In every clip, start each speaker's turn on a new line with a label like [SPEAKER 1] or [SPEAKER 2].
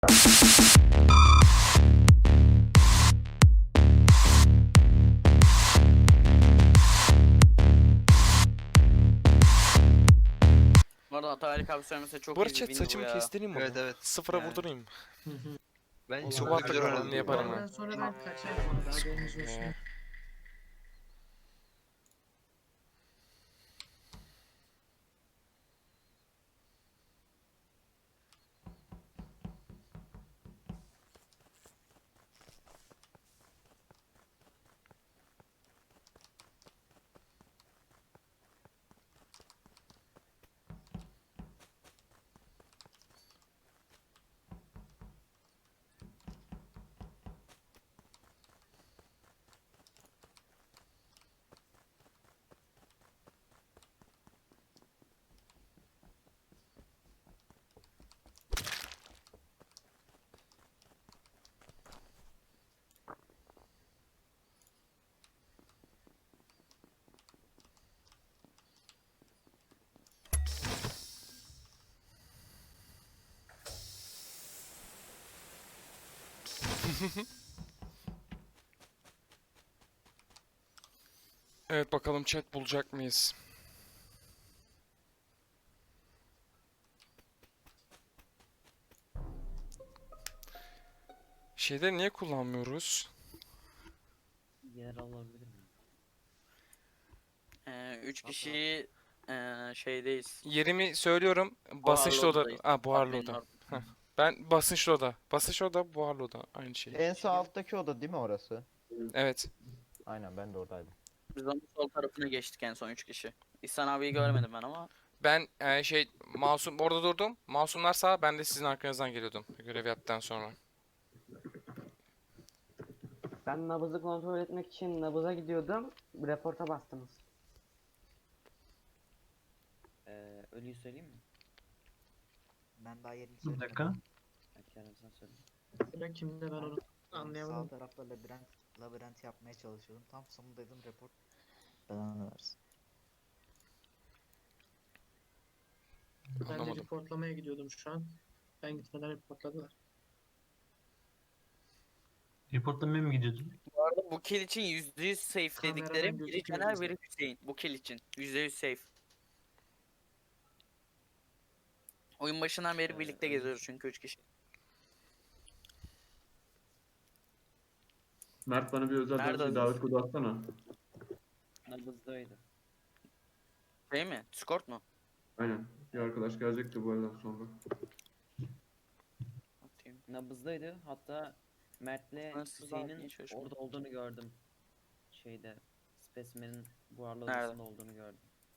[SPEAKER 1] Bu arada Ataylık abi söylemese çok
[SPEAKER 2] Bu arada
[SPEAKER 1] iyi bir
[SPEAKER 2] chat
[SPEAKER 1] win bu
[SPEAKER 2] saçımı
[SPEAKER 1] ya.
[SPEAKER 2] kestireyim mi?
[SPEAKER 3] Evet evet.
[SPEAKER 2] Sıfıra
[SPEAKER 3] Yani.
[SPEAKER 2] vurdurayım.
[SPEAKER 3] Ben
[SPEAKER 4] Olabilir.
[SPEAKER 3] çok
[SPEAKER 2] Sabah
[SPEAKER 3] güzel
[SPEAKER 2] takımını
[SPEAKER 3] oynadım.
[SPEAKER 2] yaparım
[SPEAKER 4] Ondan
[SPEAKER 2] ha.
[SPEAKER 4] sonra ben kaçarım orada, haberiniz olsun.
[SPEAKER 2] Evet bakalım chat bulacak mıyız? Şeyleri niye kullanmıyoruz?
[SPEAKER 5] Yer alabilir mi?
[SPEAKER 1] 3 kişi şeydeyiz.
[SPEAKER 2] Yerimi söylüyorum. Basınçlı oda.
[SPEAKER 1] odadayız.
[SPEAKER 2] Buharlı
[SPEAKER 1] Admin'in
[SPEAKER 2] oda.
[SPEAKER 1] orada.
[SPEAKER 2] Heh. Ben basınçlı oda. Basınçlı oda, buharlı oda. Aynı şey.
[SPEAKER 6] En sağ alttaki oda değil mi orası?
[SPEAKER 2] Evet.
[SPEAKER 6] Aynen ben de oradaydım.
[SPEAKER 1] Biz onun sol tarafına geçtik en son 3 kişi. İhsan abiyi görmedim ben ama.
[SPEAKER 2] Ben masum orada durdum. Masumlar sağ, ben de sizin arkanızdan geliyordum görev yaptıktan sonra.
[SPEAKER 7] Ben nabızı kontrol etmek için nabıza gidiyordum. Reporta bastınız.
[SPEAKER 5] Ölüyü söyleyeyim mi?
[SPEAKER 8] Ben daha yerini
[SPEAKER 4] Bir
[SPEAKER 8] söylemedim.
[SPEAKER 4] dakika.
[SPEAKER 5] Ha, Kerem sen söyle.
[SPEAKER 4] Sıra kimde, ben onu anlayamadım.
[SPEAKER 8] Sağ tarafta labirent yapmaya çalışıyordum. Tam sonundaydım, report belanı versin.
[SPEAKER 4] Ben de
[SPEAKER 2] Anlamadım.
[SPEAKER 4] reportlamaya gidiyordum şu an. Ben gitmeden reportladılar.
[SPEAKER 9] Reportlamaya mı gidiyordun?
[SPEAKER 1] Bu arada bu kill için %100 safe
[SPEAKER 4] Kameradan
[SPEAKER 1] dediklerim biri
[SPEAKER 4] gözüküyor
[SPEAKER 1] Caner
[SPEAKER 4] bizde.
[SPEAKER 1] biri Hüseyin. Bu kill için %100 safe. Oyun başından beri birlikte geziyoruz çünkü 3 kişi.
[SPEAKER 10] Mert bana bir özel
[SPEAKER 1] Nerede
[SPEAKER 10] ders bir davet kodu atsana.
[SPEAKER 5] Nabızdaydı.
[SPEAKER 1] Şey mi? Discord mu?
[SPEAKER 10] Aynen. Bir arkadaş gelecekti bu elden sonra.
[SPEAKER 1] Atayım.
[SPEAKER 5] Nabızdaydı. Hatta Mert'le
[SPEAKER 1] Nasıl zaten
[SPEAKER 5] Hüseyin'in
[SPEAKER 1] hiç hoş olmadı.
[SPEAKER 5] orada olduğunu gördüm. Şeyde Specimen'in buharlı
[SPEAKER 1] Nerede?
[SPEAKER 5] odasında olduğunu gördüm.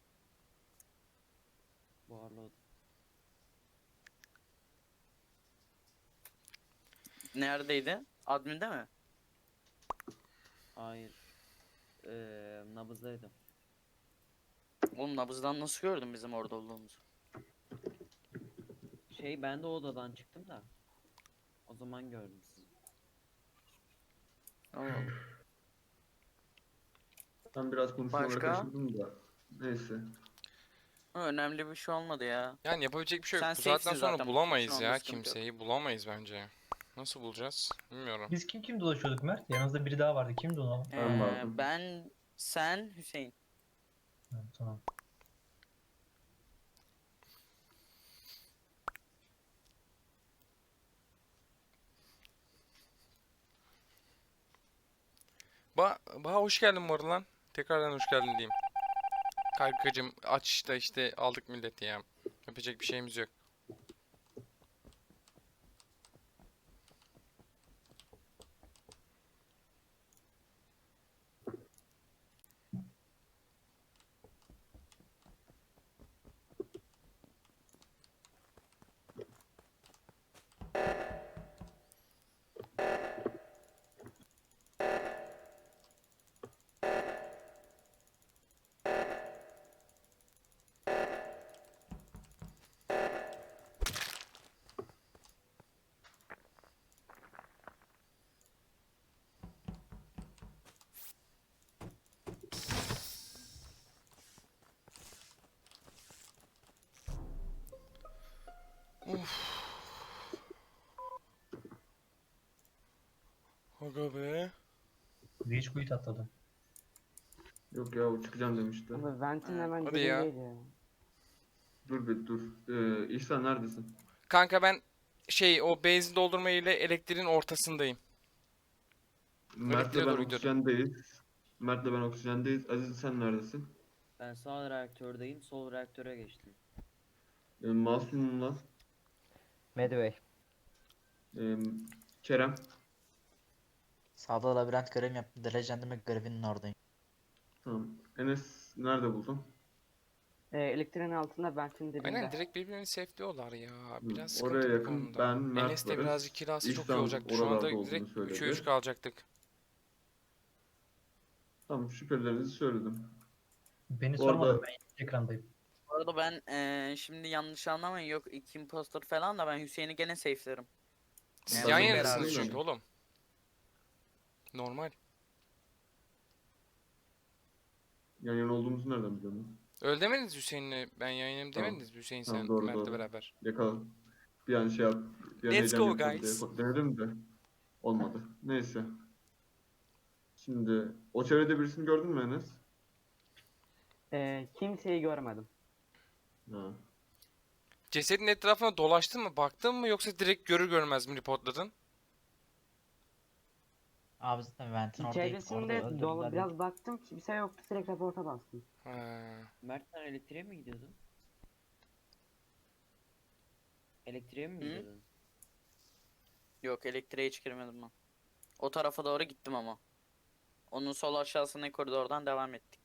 [SPEAKER 5] Buharlı oda.
[SPEAKER 1] Neredeydi? Admin'de mi?
[SPEAKER 5] Hayır. Nabızdaydı.
[SPEAKER 1] Oğlum nabızdan nasıl gördün bizim orada olduğumuzu?
[SPEAKER 5] Ben de o odadan çıktım da. O zaman gördüm sizi.
[SPEAKER 1] Allah Allah.
[SPEAKER 10] Ben biraz konuşmaları
[SPEAKER 1] Başka?
[SPEAKER 10] kaçırdım da. Neyse.
[SPEAKER 1] Önemli bir şey olmadı ya.
[SPEAKER 2] Yani yapabilecek bir şey yok.
[SPEAKER 1] Sen
[SPEAKER 2] Bu saatten
[SPEAKER 1] safe'sin
[SPEAKER 2] sonra
[SPEAKER 1] zaten,
[SPEAKER 2] bulamayız
[SPEAKER 1] bunun
[SPEAKER 2] ya
[SPEAKER 1] sıkıntı yok.
[SPEAKER 2] kimseyi. Bulamayız bence. Nasıl bulacağız? Bilmiyorum.
[SPEAKER 9] Biz kim dolaşıyorduk Mert? Yanınızda biri daha vardı. Kimdi o?
[SPEAKER 10] Ben vardım.
[SPEAKER 1] Ben, sen, Hüseyin.
[SPEAKER 9] Ha, tamam.
[SPEAKER 2] Baha hoş geldin bu arada lan. Tekrardan hoş geldin diyeyim. Kankacım aç da işte aldık milleti ya. Yapacak bir şeyimiz yok. Aga be.
[SPEAKER 9] Reach quit atladı.
[SPEAKER 10] Yok ya o çıkacağım demişti.
[SPEAKER 7] Abi Vent'in
[SPEAKER 1] Ha,
[SPEAKER 7] hemen
[SPEAKER 2] hadi ya.
[SPEAKER 7] dibindeydi ya.
[SPEAKER 10] Dur bir dur. İhsan neredesin?
[SPEAKER 2] Kanka ben o benzin doldurma ile elektriğin ortasındayım.
[SPEAKER 10] Mert'le
[SPEAKER 2] Elektriğe
[SPEAKER 10] ben
[SPEAKER 2] doğru gidiyordum.
[SPEAKER 10] oksijendeyiz. Mert'le ben oksijendeyiz. Aziz sen neredesin?
[SPEAKER 5] Ben sağ reaktördeyim, sol reaktöre geçtim.
[SPEAKER 10] Masum'la
[SPEAKER 6] Medway.
[SPEAKER 10] e, Kerem.
[SPEAKER 8] Sağda labirent görev yaptım. Legend'ime görevinin oradayım.
[SPEAKER 10] Tamam. Enes nerede buldun?
[SPEAKER 7] Elektriğin altında Vent'in dibinde.
[SPEAKER 2] Aynen direkt birbirini safe'liyorlar ya. Biraz
[SPEAKER 10] Oraya
[SPEAKER 2] sıkıntı bu
[SPEAKER 10] yakın
[SPEAKER 2] konuda.
[SPEAKER 10] ben, Mert
[SPEAKER 2] Enes de
[SPEAKER 10] varız.
[SPEAKER 2] birazcık kirası çok iyi
[SPEAKER 10] İhsan
[SPEAKER 2] olacaktı. Şu anda
[SPEAKER 10] oralarda olduğunu
[SPEAKER 2] direkt
[SPEAKER 10] söyledi.
[SPEAKER 2] 3'e 3 kalacaktık.
[SPEAKER 10] Tamam şüphelilerinizi söyledim.
[SPEAKER 9] Beni
[SPEAKER 10] Bu arada-
[SPEAKER 9] sormadım, ben ekrandayım.
[SPEAKER 1] Bu arada ben şimdi yanlış anlamayın, yok iki impostor falan da ben Hüseyin'i gene safe'lerim.
[SPEAKER 2] Siz
[SPEAKER 1] Yani
[SPEAKER 2] yan
[SPEAKER 10] ben de
[SPEAKER 2] yanasınız
[SPEAKER 10] beraber
[SPEAKER 2] çünkü
[SPEAKER 10] yani.
[SPEAKER 2] oğlum. Normal.
[SPEAKER 10] Yan yana olduğumuzu nereden biliyorsun?
[SPEAKER 2] Öyle demediniz Hüseyin'le. Ben yayınım
[SPEAKER 10] Tamam.
[SPEAKER 2] demediniz Hüseyin
[SPEAKER 10] Tamam,
[SPEAKER 2] sen
[SPEAKER 10] doğru,
[SPEAKER 2] Mert'le
[SPEAKER 10] doğru.
[SPEAKER 2] beraber.
[SPEAKER 10] Yakala. Bir an şey yap. Bir an
[SPEAKER 2] Let's
[SPEAKER 10] heyecan
[SPEAKER 2] go,
[SPEAKER 10] yapalım
[SPEAKER 2] guys.
[SPEAKER 10] diye denedim de. Olmadı. Neyse. Şimdi o çevrede birisini gördün mü Enes?
[SPEAKER 7] Kimseyi görmedim.
[SPEAKER 10] Ha.
[SPEAKER 2] Cesedin etrafına dolaştın mı, baktın mı yoksa direkt görür görmez mi reportladın?
[SPEAKER 8] Abi zaten Vent'in oradayım. Orada
[SPEAKER 7] Çevresinde
[SPEAKER 8] öldürdüler.
[SPEAKER 7] biraz baktım, kimse yoktu, direkt reporta bastım.
[SPEAKER 2] Ha.
[SPEAKER 5] Mert sen elektriğe mi gidiyordun? Elektriğe mi
[SPEAKER 1] Hı?
[SPEAKER 5] gidiyordun?
[SPEAKER 1] Yok, elektriğe hiç girmedim ben. O tarafa doğru gittim ama. Onun sol aşağısındaki koridordan devam ettik.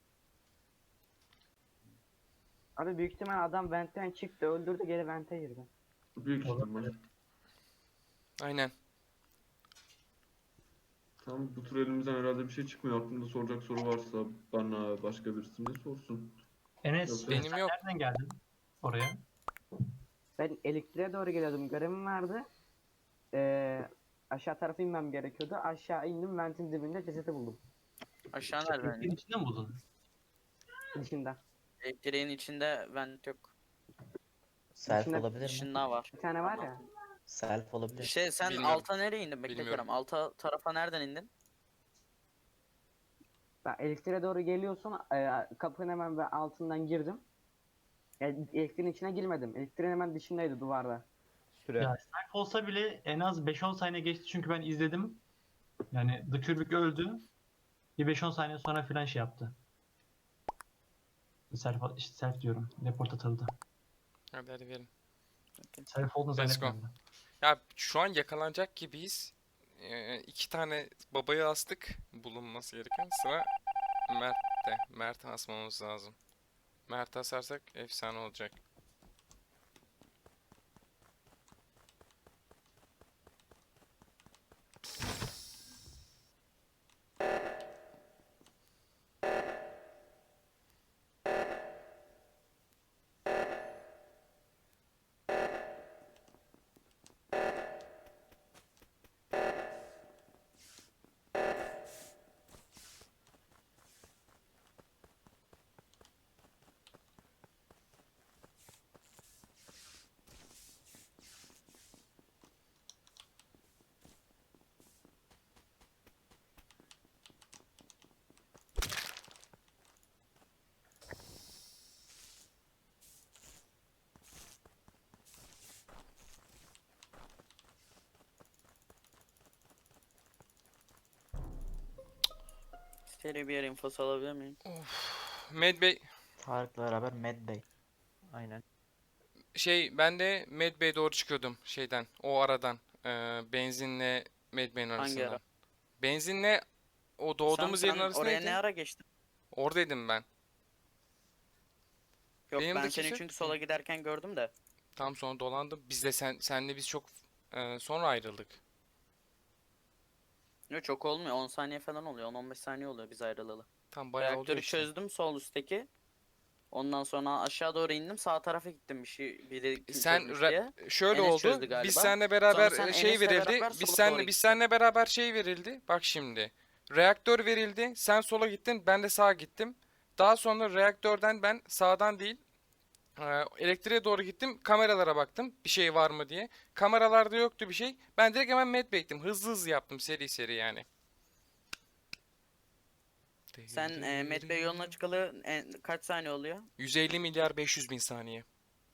[SPEAKER 7] Abi büyük ihtimal adam Vent'ten çıktı, öldürdü, geri Vent'e girdi.
[SPEAKER 10] Büyük ihtimal.
[SPEAKER 2] Aynen.
[SPEAKER 10] Tamam bu tur elimizden herhalde bir şey çıkmıyor. Aklında soracak soru varsa bana başka birisi de sorsun.
[SPEAKER 9] Enes,
[SPEAKER 10] Yok,
[SPEAKER 2] benim
[SPEAKER 9] sen
[SPEAKER 2] yok.
[SPEAKER 9] nereden geldin oraya?
[SPEAKER 7] Ben elektriğe doğru geliyordum, görevim vardı. Aşağı tarafa inmem gerekiyordu. Aşağı indim, Vent'in dibinde cesedi buldum.
[SPEAKER 1] Aşağı nereden?
[SPEAKER 9] Elektriğin içinde mi buldun?
[SPEAKER 7] Dışında.
[SPEAKER 1] Elektriğin içinde vent yok.
[SPEAKER 8] Self
[SPEAKER 7] İçinde-
[SPEAKER 8] olabilir mi?
[SPEAKER 1] Dışında var.
[SPEAKER 7] Bir tane var ya.
[SPEAKER 8] Self olabilir.
[SPEAKER 1] Sen
[SPEAKER 2] Bilmiyorum.
[SPEAKER 1] alta nereye indin? Bekle
[SPEAKER 2] Bilmiyorum.
[SPEAKER 1] Kerem. Alta tarafa nereden indin?
[SPEAKER 7] Ben elektriğe doğru geliyorsun, kapının hemen ben altından girdim. Elektriğin içine girmedim. Elektriğin hemen dışındaydı, duvarda.
[SPEAKER 6] Süre.
[SPEAKER 9] Ya snipe olsa bile en az 5-10 saniye geçti çünkü ben izledim. Yani The Kürbük öldü. Bir 5-10 saniye sonra filan şey yaptı. Self diyorum. Report atıldı.
[SPEAKER 2] Hadi verin.
[SPEAKER 9] Self olduğunu
[SPEAKER 2] Let's go.
[SPEAKER 9] zannetmiyorum
[SPEAKER 2] Ya şu an yakalanacak gibiyiz. 2 tane babayı astık. Bulunması gereken. Sıra Mert'te. Mert'e asmamız lazım. Mert'e asarsak efsane olacak.
[SPEAKER 1] Seri bir yer infosu alabilir miyim?
[SPEAKER 2] Medbay
[SPEAKER 8] Tarık'la beraber Mad Bey.
[SPEAKER 6] Aynen.
[SPEAKER 2] ben de Medbay'e doğru çıkıyordum şeyden. O aradan. Benzinle Medbay'in
[SPEAKER 1] Hangi
[SPEAKER 2] arasından.
[SPEAKER 1] ara?
[SPEAKER 2] Benzinle o doğduğumuz
[SPEAKER 1] Sen
[SPEAKER 2] yerin arası
[SPEAKER 1] oraya
[SPEAKER 2] neydi?
[SPEAKER 1] ne ara geçtin?
[SPEAKER 2] Oradaydım ben.
[SPEAKER 1] Yok,
[SPEAKER 2] Benim
[SPEAKER 1] ben
[SPEAKER 2] de
[SPEAKER 1] seni
[SPEAKER 2] kesin-
[SPEAKER 1] çünkü sola giderken gördüm de.
[SPEAKER 2] Tam sonra dolandım. Biz de senle biz çok sonra ayrıldık.
[SPEAKER 1] Yok, çok olmuyor. 10 saniye falan oluyor. 10-15 saniye oluyor biz ayrılalı.
[SPEAKER 2] Tam bayağı oluyor
[SPEAKER 1] Reaktörü
[SPEAKER 2] işte.
[SPEAKER 1] çözdüm sol üstteki. Ondan sonra aşağı doğru indim. Sağ tarafa gittim bir şey. Biri kim
[SPEAKER 2] Sen
[SPEAKER 1] çözmüş
[SPEAKER 2] re-
[SPEAKER 1] diye.
[SPEAKER 2] Şöyle
[SPEAKER 1] Enes
[SPEAKER 2] oldu.
[SPEAKER 1] çözdü galiba.
[SPEAKER 2] Biz seninle beraber
[SPEAKER 1] Sonra sen
[SPEAKER 2] şey
[SPEAKER 1] Enes'le
[SPEAKER 2] verildi.
[SPEAKER 1] beraber
[SPEAKER 2] Biz
[SPEAKER 1] sola
[SPEAKER 2] senle
[SPEAKER 1] doğru
[SPEAKER 2] biz
[SPEAKER 1] gittin.
[SPEAKER 2] seninle beraber şey verildi. Bak şimdi. Reaktör verildi. Sen sola gittin, ben de sağa gittim. Daha sonra reaktörden ben sağdan değil, Elektriğe doğru gittim. Kameralara baktım. Bir şey var mı diye. Kameralarda yoktu bir şey. Ben direkt hemen medbay'tim. Hızlı hızlı yaptım. Seri seri yani.
[SPEAKER 1] Sen Medbay yoluna çıkalı kaç saniye oluyor?
[SPEAKER 2] 150 milyar 500 bin saniye.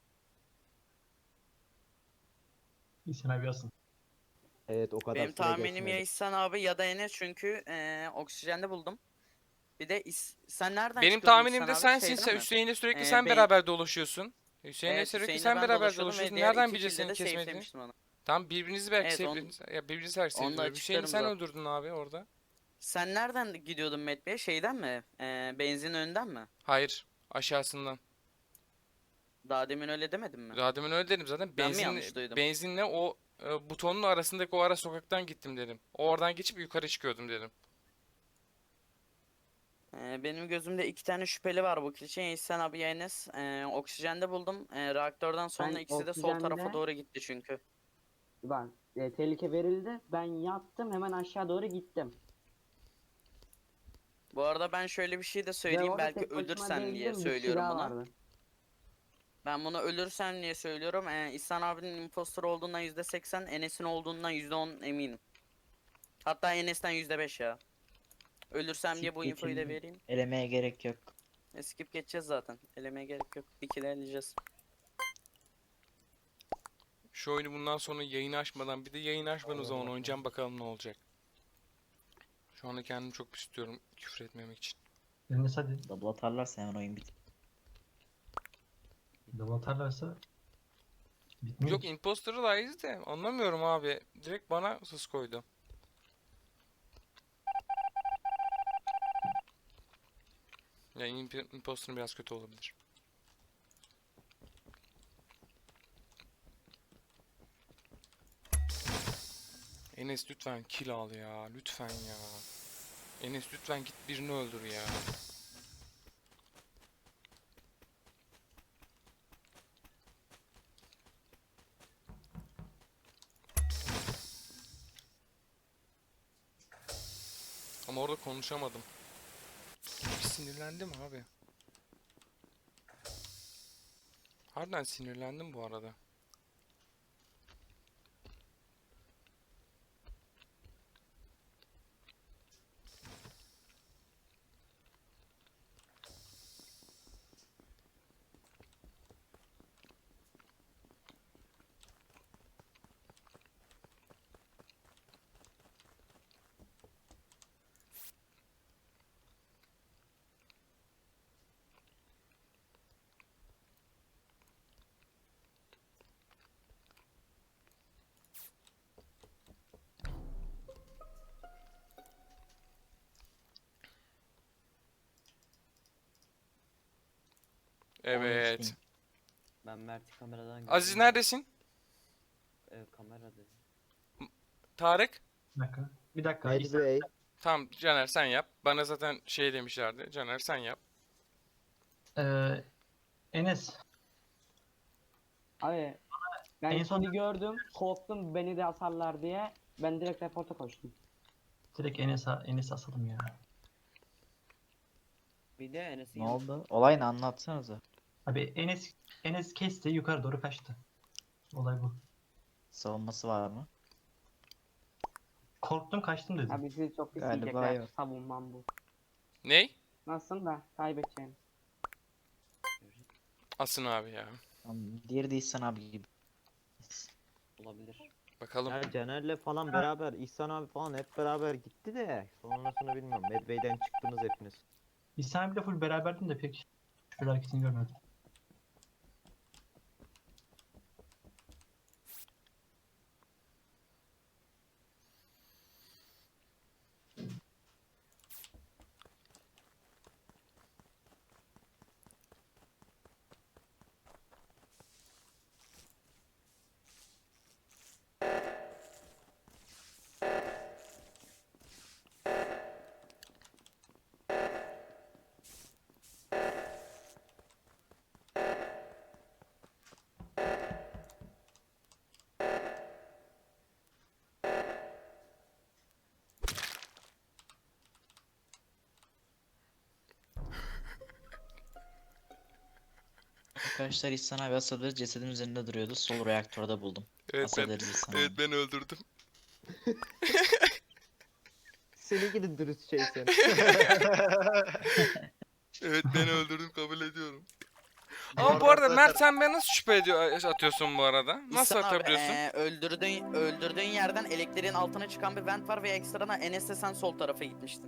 [SPEAKER 9] İhsan abi yazsın.
[SPEAKER 6] Evet o kadar
[SPEAKER 1] Benim
[SPEAKER 6] süre
[SPEAKER 1] tahminim
[SPEAKER 6] geçmedi.
[SPEAKER 1] ya İhsan abi ya da Enes çünkü oksijende buldum. Bir de sen nereden
[SPEAKER 2] Benim
[SPEAKER 1] çıkıyordun
[SPEAKER 2] tahminim
[SPEAKER 1] İhsan
[SPEAKER 2] de
[SPEAKER 1] abi?
[SPEAKER 2] sensin.
[SPEAKER 1] Şeyden
[SPEAKER 2] Sen
[SPEAKER 1] mi?
[SPEAKER 2] Hüseyin'le sürekli
[SPEAKER 1] Ee,
[SPEAKER 2] sen
[SPEAKER 1] ben-
[SPEAKER 2] beraber dolaşıyorsun. Hüseyin'le
[SPEAKER 1] Evet,
[SPEAKER 2] sürekli
[SPEAKER 1] Hüseyin'le
[SPEAKER 2] sen
[SPEAKER 1] ben
[SPEAKER 2] beraber
[SPEAKER 1] dolaşıyordum ve
[SPEAKER 2] dolaşıyorsun.
[SPEAKER 1] diğer
[SPEAKER 2] Nereden
[SPEAKER 1] iki
[SPEAKER 2] bileceğiz
[SPEAKER 1] kilde
[SPEAKER 2] senin
[SPEAKER 1] de
[SPEAKER 2] kesmediğini?
[SPEAKER 1] safe'lemiştim onu.
[SPEAKER 2] Tamam birbirinizi belki
[SPEAKER 1] Evet,
[SPEAKER 2] sevdiniz. Ya birbirinizi belki
[SPEAKER 1] onu da
[SPEAKER 2] sevdiniz. Hüseyin
[SPEAKER 1] açıklarım
[SPEAKER 2] sen
[SPEAKER 1] zaten.
[SPEAKER 2] öldürdün abi orada.
[SPEAKER 1] Sen nereden gidiyordun Medbay'e? Şeyden mi? Benzin önünden mi?
[SPEAKER 2] Hayır. Aşağısından.
[SPEAKER 1] Daha demin öyle demedin mi?
[SPEAKER 2] Daha demin öyle dedim zaten.
[SPEAKER 1] Ben mi yanlış duydum?
[SPEAKER 2] Benzinle o butonun arasındaki o ara sokaktan gittim dedim. Oradan geçip yukarı çıkıyordum dedim.
[SPEAKER 1] Benim gözümde iki tane şüpheli var bu kill için. Ya İhsan abi ya Enes. Oksijende buldum. Reaktörden sonra
[SPEAKER 7] Ben
[SPEAKER 1] ikisi de sol tarafa
[SPEAKER 7] oksijende-
[SPEAKER 1] doğru gitti çünkü.
[SPEAKER 7] Ben tehlike verildi. Ben yattım hemen aşağı doğru gittim.
[SPEAKER 1] Bu arada ben şöyle bir şey de
[SPEAKER 7] Ve
[SPEAKER 1] söyleyeyim.
[SPEAKER 7] orada
[SPEAKER 1] Belki
[SPEAKER 7] tek başıma
[SPEAKER 1] ölürsen diye
[SPEAKER 7] değildim, bir kişi
[SPEAKER 1] söylüyorum
[SPEAKER 7] daha
[SPEAKER 1] bunu.
[SPEAKER 7] vardı.
[SPEAKER 1] Ben bunu ölürsem diye söylüyorum. İhsan abinin impostor olduğundan %80, Enes'in olduğundan %10 eminim. Hatta Enes'ten %5 ya. Ölürsem diye bu
[SPEAKER 8] Skip
[SPEAKER 1] infoyu da
[SPEAKER 8] geçildi.
[SPEAKER 1] vereyim.
[SPEAKER 8] Elemeye gerek yok.
[SPEAKER 1] Skip geçeceğiz zaten. Elemeye gerek yok. Bir kill eleyeceğiz.
[SPEAKER 2] Şu oyunu bundan sonra yayın açmadan bir de yayın açmadan o zaman oynayacağım bakalım ne olacak. Şu anda kendimi çok pis tutuyorum küfür etmemek için.
[SPEAKER 9] Enes hadi.
[SPEAKER 8] Double atarlarsa hemen oyun biter.
[SPEAKER 9] Double atarlarsa bitmiyor
[SPEAKER 2] Yok
[SPEAKER 9] ki.
[SPEAKER 2] imposter'ı layığız de anlamıyorum abi. Direkt bana sus koydu. Yani imposter'ın biraz kötü olabilir. Enes lütfen kill al ya. Lütfen ya. Enes lütfen git birini öldür ya. Ama orada konuşamadım. Çünkü sinirlendim abi. Harbiden sinirlendim bu arada. Evet.
[SPEAKER 5] geçtim. Ben Mert'i kameradan
[SPEAKER 2] Aziz
[SPEAKER 5] gördüm.
[SPEAKER 2] neredesin?
[SPEAKER 5] Kamerada.
[SPEAKER 2] Tarık?
[SPEAKER 9] Bir dakika. Bir dakika. İhsan-
[SPEAKER 6] Medway.
[SPEAKER 2] Tamam Caner sen yap. Bana zaten şey demişlerdi. Caner sen yap.
[SPEAKER 9] Enes.
[SPEAKER 7] Abi ben
[SPEAKER 9] En son-
[SPEAKER 7] seni gördüm, korktum beni de asarlar diye. Ben direkt reporta koştum.
[SPEAKER 9] Direkt Enes asalım ya.
[SPEAKER 5] Bir de Enes'in
[SPEAKER 8] Ne
[SPEAKER 5] yanı-
[SPEAKER 8] oldu? Olayını anlatsanıza.
[SPEAKER 9] Abi Enes kesti yukarı doğru kaçtı. Olay bu.
[SPEAKER 8] Savunması var mı?
[SPEAKER 9] Korktum kaçtım dedim.
[SPEAKER 7] Abi sizi çok pis
[SPEAKER 8] Galiba
[SPEAKER 7] yiyecekler.
[SPEAKER 8] yok.
[SPEAKER 7] Savunmam bu.
[SPEAKER 2] Ney?
[SPEAKER 7] Nasılsın da kaybedeceğim.
[SPEAKER 2] Asın abi ya.
[SPEAKER 8] Tamam, diğeri de İhsan abi gibi.
[SPEAKER 5] olabilir.
[SPEAKER 2] Bakalım.
[SPEAKER 6] Ya Caner'le falan beraber, İhsan abi falan hep beraber gitti de sonrasını bilmiyorum. Medway'den çıktınız hepiniz.
[SPEAKER 9] İhsan abiyle full beraberdim de pek şükür hareketini görmedim.
[SPEAKER 3] Arkadaşlar İhsan abi Asadır'ı cesedin üzerinde duruyordu. Sol reaktörde buldum.
[SPEAKER 2] Evet ben,
[SPEAKER 3] Asadır'ı İhsan
[SPEAKER 2] evet
[SPEAKER 3] abi.
[SPEAKER 2] ben öldürdüm.
[SPEAKER 6] Seni gidin dürüst şey sen.
[SPEAKER 2] Evet ben öldürdüm kabul ediyorum. Ama bu arada Mert sen beni nasıl şüphe atıyorsun bu arada? Nasıl
[SPEAKER 1] İhsan abi,
[SPEAKER 2] atabiliyorsun?
[SPEAKER 1] öldürdüğün yerden elektriğin altına çıkan bir vent var ve ekstrana Enes'le sen sol tarafa gitmiştin.